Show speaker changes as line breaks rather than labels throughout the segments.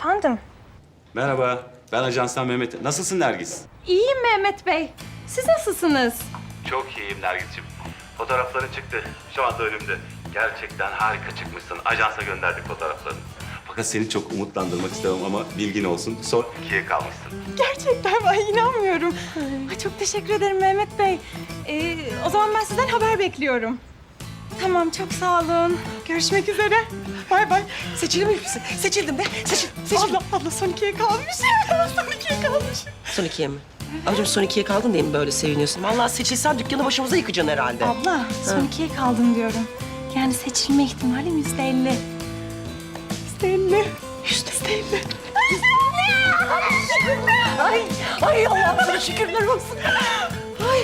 Efendim?
Merhaba, ben ajanstan Mehmet. Nasılsın Nergis?
İyiyim Mehmet Bey. Siz nasılsınız?
Çok iyiyim Nergis'ciğim. Fotoğrafların çıktı. Şu anda önümde. Gerçekten harika çıkmışsın. Ajansa gönderdik fotoğraflarını. Fakat seni çok umutlandırmak istemem ama bilgin olsun. Son 2'ye kalmışsın.
Gerçekten ben inanmıyorum. Ay, çok teşekkür ederim Mehmet Bey. O zaman ben sizden haber bekliyorum. Tamam, çok sağ olun. Görüşmek üzere. Bay bay.
Seçilmiş misin? Seçildim de. Seçildim.
Abla son 2'ye kalmışım. Son 2'ye kalmışım.
Son 2'ye mi? Ablacığım son 2'ye kaldın diye mi böyle seviniyorsun? Vallahi seçilsen dükkanı başımıza yıkacaksın herhalde.
Abla, son 2'ye kaldım diyorum. Yani seçilme ihtimalim %50. %50. %50.
Ay Allah'ım sana şükürler olsun. Ay.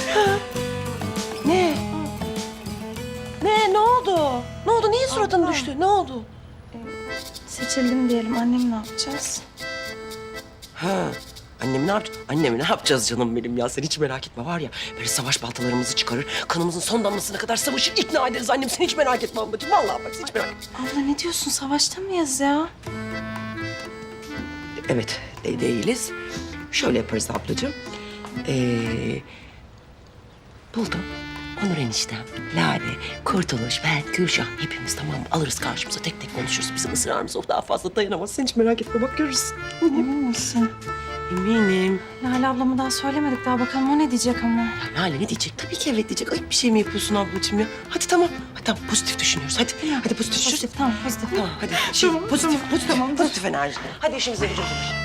Ne? Ne oldu? Ne oldu? Niye suratın düştü? Ne oldu?
Seçildim diyelim. Annem ne yapacağız?
Ha. Annemi ne yapacağız? Annemi ne yapacağız canım benim ya? Sen hiç merak etme var ya. Böyle savaş baltalarımızı çıkarır. Kanımızın son damlasına kadar savaşır, ikna ederiz annem. Sen hiç merak etme ablacığım. Vallahi bak sen hiç merak etme.
Abla ne diyorsun? Savaşta mıyız ya?
Evet, değiliz. Şöyle yaparız ablacığım. Buldum. Onur eniştem, Lale, Kurtuluş, ben, Gülşah hepimiz tamam mı? Alırız karşımıza tek tek konuşuruz. Bizim ısrarımız o daha fazla dayanamaz. Sen hiç merak etme bak görürsün.
Emin misin?
Eminim.
Lale ablama daha söylemedik daha bakalım o ne diyecek ama.
Ya Lale ne diyecek? Tabii ki evet diyecek. Ayıp bir şey mi yapıyorsun ablacığım ya? Hadi tamam. Hadi tamam pozitif düşünüyoruz. Hadi. Hadi pozitif düşünüyoruz.
Pozitif, tamam pozitif.
Tamam hadi. Şimdi pozitif enerji. Hadi işimize gücümüze baş.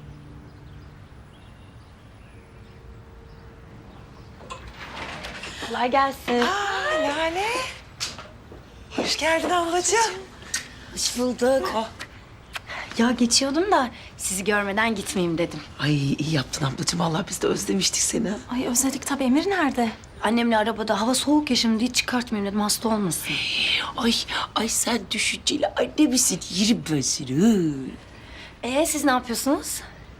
Kolay gelsin.
Lale. Hoş geldin ablacığım.
Hoş bulduk. Ya geçiyordum da sizi görmeden gitmeyeyim dedim.
Ay iyi yaptın ablacığım. Vallahi biz de özlemiştik seni.
Ay özledik tabii. Emir nerede?
Annemle arabada hava soğuk ya şimdi hiç çıkartmayayım dedim hasta olmasın.
Ay sen düşünceli anne misin? Yerim ben seni.
Siz ne yapıyorsunuz?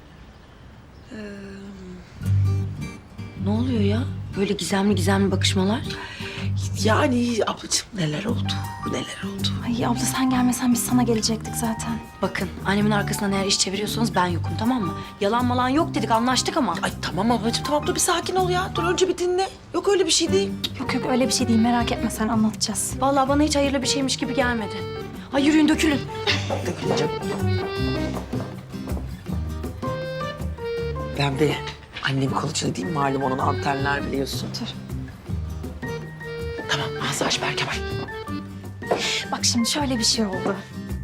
Ne oluyor ya? Böyle gizemli gizemli bakışmalar.
Yani ablacığım neler oldu?
Ay abla sen gelmesen biz sana gelecektik zaten.
Bakın annemin arkasından eğer iş çeviriyorsanız ben yokum tamam mı? Yalan malan yok dedik anlaştık ama.
Ay tamam ablacığım tamam dur bir sakin ol ya. Dur önce bir dinle. Yok öyle bir şey değil.
Yok öyle bir şey değil merak etme sen anlatacağız.
Vallahi bana hiç hayırlı bir şeymiş gibi gelmedi. Ay yürüyün dökülün.
Döküleceğim. Ben de annemin kılıcını değil malum onun antenler biliyorsun.
Dur.
Tamam ağzı aç Berkemal.
Bak şimdi şöyle bir şey oldu.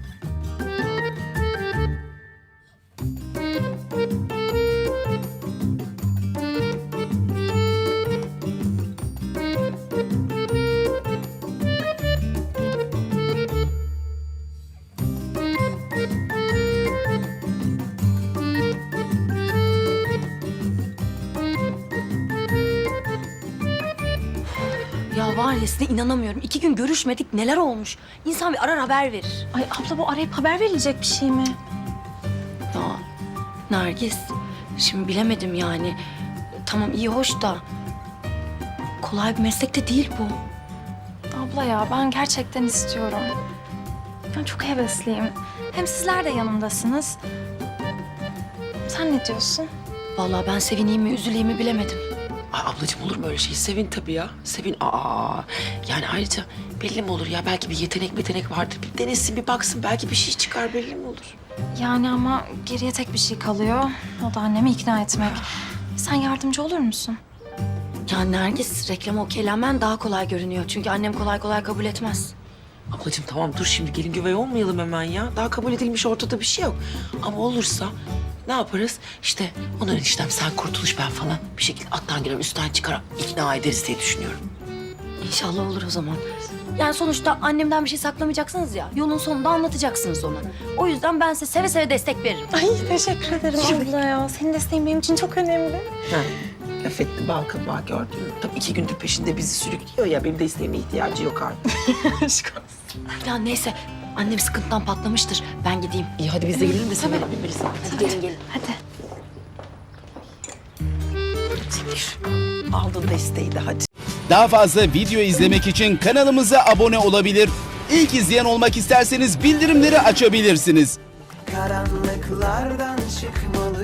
Ya var ya size inanamıyorum. 2 gün görüşmedik neler olmuş. İnsan bir arar haber verir.
Ay abla bu arayıp haber verilecek bir şey mi?
Ya Nergis, şimdi bilemedim yani. Tamam iyi hoş da kolay bir meslek de değil bu.
Abla ya ben gerçekten istiyorum. Ben çok hevesliyim. Hem sizler de yanımdasınız. Sen ne diyorsun?
Vallahi ben sevineyim mi üzüleyim mi bilemedim.
Ay ablacığım olur mu öyle şey? Sevin tabii ya. Sevin. Yani ayrıca belli mi olur ya? Belki bir yetenek vardır. Bir denesin, bir baksın. Belki bir şey çıkar belli mi olur?
Yani ama geriye tek bir şey kalıyor. O da annemi ikna etmek. Sen yardımcı olur musun?
Ya Nergis reklama okeylenmen daha kolay görünüyor. Çünkü annem kolay kolay kabul etmez.
Ablacığım tamam dur şimdi gelin güvey olmayalım hemen ya. Daha kabul edilmiş ortada bir şey yok. Ama olursa ne yaparız? İşte Onur eniştem sen Kurtuluş ben falan bir şekilde alttan girer üstten çıkar ikna ederiz diye düşünüyorum.
İnşallah olur o zaman. Yani sonuçta annemden bir şey saklamayacaksınız ya. Yolun sonunda anlatacaksınız ona. O yüzden ben size seve seve destek veririm.
Ay teşekkür ederim abla ya. Senin desteğin benim için çok önemli.
Ha. Laf etti bal kabağı gördün mü? Tabii 2 gündür peşinde bizi sürüklüyor ya. Benim de isteğime ihtiyacı yok artık. Aşk olsun.
Ya neyse annem sıkıntıdan patlamıştır. Ben gideyim.
İyi hadi biz de gelelim de sen bilmelisin.
Hadi gelin gelin.
Hadi.
Aldın desteği de hadi.
Daha fazla video izlemek için kanalımıza abone olabilir. İlk izleyen olmak isterseniz bildirimleri açabilirsiniz.
karanlıklardan çıkmalı.